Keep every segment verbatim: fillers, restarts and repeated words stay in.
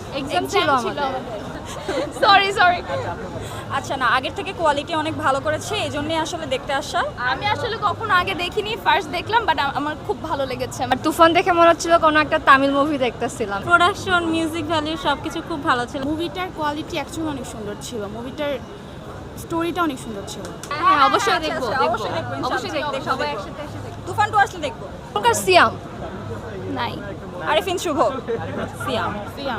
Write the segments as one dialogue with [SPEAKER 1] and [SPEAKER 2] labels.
[SPEAKER 1] Exam ছিল আমাদের।
[SPEAKER 2] Sorry sorry
[SPEAKER 3] আচ্ছা না, আগের থেকে কোয়ালিটি অনেক ভালো করেছে, এই জন্যই আসলে দেখতে আসা।
[SPEAKER 2] আমি আসলে কখনো আগে দেখিনি, ফার্স্ট দেখলাম, বাট আমার খুব ভালো লেগেছে।
[SPEAKER 1] আর তুফান দেখে মনে হচ্ছিল কোনো একটা তামিল মুভি দেখতেছিলাম।
[SPEAKER 3] প্রোডাকশন, মিউজিক ভ্যালু সবকিছু খুব ভালো ছিল।
[SPEAKER 4] মুভিটার কোয়ালিটি অ্যাকচুয়ালি অনেক সুন্দর ছিল, মুভিটার স্টোরিটা অনেক সুন্দর ছিল।
[SPEAKER 1] হ্যাঁ অবশ্যই দেখবো,
[SPEAKER 3] আচ্ছা,
[SPEAKER 1] দেখবো
[SPEAKER 3] অবশ্যই দেখবো,
[SPEAKER 1] অবশ্যই
[SPEAKER 3] ইনশাআল্লাহ,
[SPEAKER 1] দেখবো, সবাই
[SPEAKER 3] দেখবো।
[SPEAKER 1] একসাথে এসে দেখবো।
[SPEAKER 3] তুফান টু আসলে দেখবো।
[SPEAKER 1] এখনকার সিয়াম
[SPEAKER 2] নাই
[SPEAKER 3] আরিফিন শুভ, সিয়াম।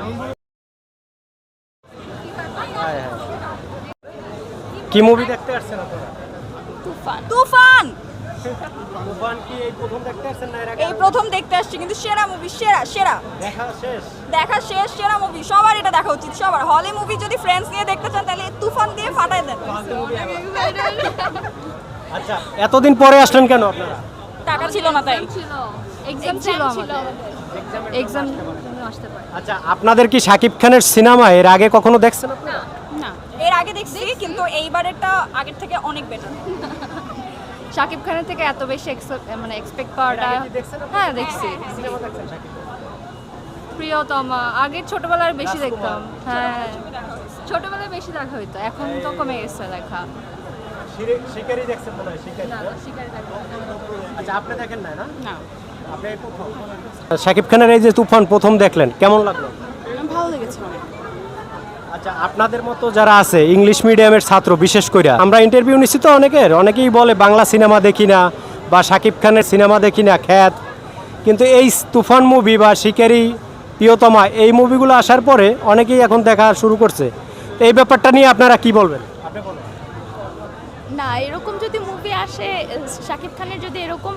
[SPEAKER 5] কি মুভি দেখতে আসছেন আপনারা?
[SPEAKER 2] তুফান
[SPEAKER 3] তুফান
[SPEAKER 5] তুফান কি এই প্রথম দেখতে আসছেন না এর আগে?
[SPEAKER 3] এই প্রথম দেখতে আসছি, কিন্তু সেরা মুভি, সেরা সেরা
[SPEAKER 5] দেখা শেষ।
[SPEAKER 3] দেখা শেষ, সেরা মুভি, সবার এটা দেখা উচিত, সবার। হলে মুভি যদি ফ্রেন্ডস নিয়ে দেখতে চান তাহলে এই তুফান দিয়ে ফাটায় দেন।
[SPEAKER 5] আচ্ছা, এতদিন পরে আসলেন কেন আপনারা?
[SPEAKER 3] টাকা ছিল না তাই।
[SPEAKER 1] ছিল, এক্সাম ছিল আমাদের। এক্সাম আসতে পারে।
[SPEAKER 5] আচ্ছা, আপনাদের কি শাকিব খানের সিনেমা এর আগে কখনো দেখছেন আপনারা?
[SPEAKER 4] না,
[SPEAKER 3] এর আগে দেখছি, কিন্তু এইবারেরটা আগের থেকে অনেক বেটার।
[SPEAKER 1] শাকিব খানের থেকে এত বেশি ex- মানে এক্সপেক্ট করাটা। হ্যাঁ দেখছি।
[SPEAKER 5] সিনেমা দেখছেন শাকিব?
[SPEAKER 1] প্রিয়তমা আগে ছোটবেলায় বেশি দেখতাম। হ্যাঁ ছোটবেলায় বেশি দেখা হইতো, এখন তো কমে গেছে দেখা।
[SPEAKER 5] শিরে- শিকারি দেখছেন মনে হয়, শিকারি
[SPEAKER 1] না
[SPEAKER 5] না?
[SPEAKER 1] শিকারি দেখা হয় না।
[SPEAKER 5] আচ্ছা, আপনি দেখেন নাই না?
[SPEAKER 4] না,
[SPEAKER 5] আপনি এই প্রথম। শাকিব খানের এই যে তুফান প্রথম দেখলেন, কেমন লাগলো?
[SPEAKER 4] ভালো লেগেছে অনেক।
[SPEAKER 5] আচ্ছা, আপনাদের মতো যারা আছে ইংলিশ মিডিয়ামের ছাত্র, বিশেষ করে আমরা ইন্টারভিউ নিচ্ছি তো অনেকের, অনেকেই বলে বাংলা সিনেমা দেখি না বা শাকিব খানের সিনেমা দেখি না, খ্যাত। কিন্তু এই তুফান মুভি বা শিকারি, প্রিয়তমা এই মুভিগুলো আসার পরে অনেকেই এখন দেখা শুরু করছে। তো এই ব্যাপারটা নিয়ে আপনারা কি বলবেন? আপনি বলুন।
[SPEAKER 2] না, এরকম যদি মুভি আসে, শাকিব খানের যদি এরকম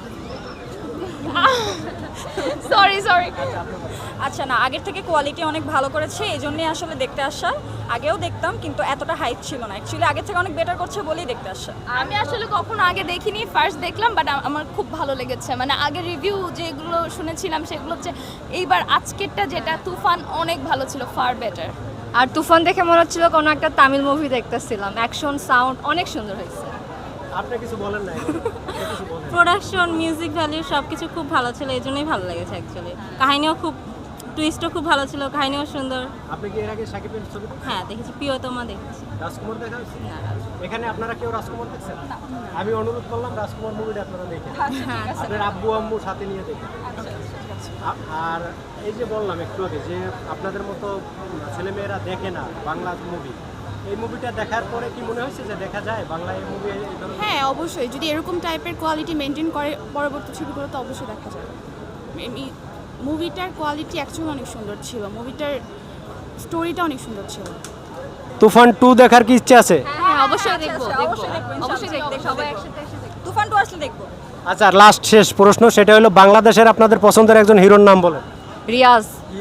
[SPEAKER 2] সরি সরি
[SPEAKER 3] আচ্ছা না, আগের থেকে কোয়ালিটি অনেক ভালো করেছে, এই জন্যই আসলে দেখতে আসা। আগেও দেখতাম, কিন্তু এতটা হাইপ ছিল না। অ্যাকচুয়ালি আগের থেকে অনেক বেটার করছে বলেই দেখতে আসা।
[SPEAKER 2] আমি আসলে কখনো আগে দেখিনি, ফার্স্ট দেখলাম, বাট আমার খুব ভালো লেগেছে। মানে আগে রিভিউ যেগুলো শুনেছিলাম সেগুলো হচ্ছে, এইবার আজকেরটা যেটা তুফান অনেক ভালো ছিল, ফার বেটার।
[SPEAKER 1] আর তুফান দেখে মনে হচ্ছিল কোনো একটা তামিল মুভি দেখতেছিলাম। অ্যাকশন, সাউন্ড অনেক সুন্দর হয়েছে।
[SPEAKER 5] আপনি কিছু বলেন না এখন? কিছু বলেন।
[SPEAKER 3] প্রোডাকশন, মিউজিক ভ্যালু সবকিছু খুব ভালো ছিল, এই জন্যই ভালো লেগেছে অ্যাকচুয়ালি। কাহিনীও খুব, টুইস্টও খুব ভালো ছিল, কাহিনীও সুন্দর।
[SPEAKER 5] আপনি কি এর আগে শাকিবের ছবি দেখছেন?
[SPEAKER 3] হ্যাঁ দেখেছি, প্রিয়তমা দেখেছি।
[SPEAKER 5] রাজকুমার দেখা হয়েছে? এখানে আপনারা কেউ রাজকুমার দেখছেন? আমি অনুরোধ করলাম রাজকুমার মুভিটা আপনারা দেখেন। আপনার আব্বু আম্মু সাথে নিয়ে দেখেন। আ- আর এই যে বললাম একটু আগে যে আপনাদের মতো ছেলেমেয়েরা দেখে না বাংলা মুভি, এই মুভিটা দেখার পরে কি মনে হয়েছে যে দেখা যায় বাংলা এই মুভি?
[SPEAKER 4] হ্যাঁ অবশ্যই, যদি এরকম টাইপের কোয়ালিটি মেনটেন করে পরবর্তী ছবিগুলো তো অবশ্যই দেখা যাবে। মুভিটার কোয়ালিটি অ্যাকচুয়ালি অনেক সুন্দর ছিল, মুভিটার স্টোরিটা অনেক সুন্দর ছিল।
[SPEAKER 5] তুফান টু দেখার কি ইচ্ছে আছে?
[SPEAKER 1] হ্যাঁ অবশ্যই দেখবো,
[SPEAKER 3] আচ্ছা,
[SPEAKER 1] দেখবো
[SPEAKER 3] অবশ্যই দেখবো,
[SPEAKER 1] অবশ্যই
[SPEAKER 3] ইনশাআল্লাহ,
[SPEAKER 1] দেখবো, সবাই
[SPEAKER 3] দেখবো।
[SPEAKER 1] একসাথে এসে দেখবো।
[SPEAKER 3] তুফান টু আসলে দেখবো।
[SPEAKER 5] আচ্ছা, লাস্ট শেষ প্রশ্ন, সেটা হলো বাংলাদেশের আপনাদের পছন্দের একজন হিরোর নাম বলেন।
[SPEAKER 1] রিয়াজ।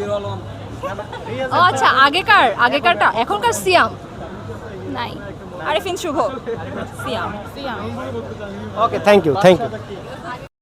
[SPEAKER 1] ও আচ্ছা, আগেকার আগেকারটা, এখনকার সিয়াম।
[SPEAKER 2] নাই
[SPEAKER 3] Arifin Shuvo, Siam.
[SPEAKER 5] Okay, thank you, thank you.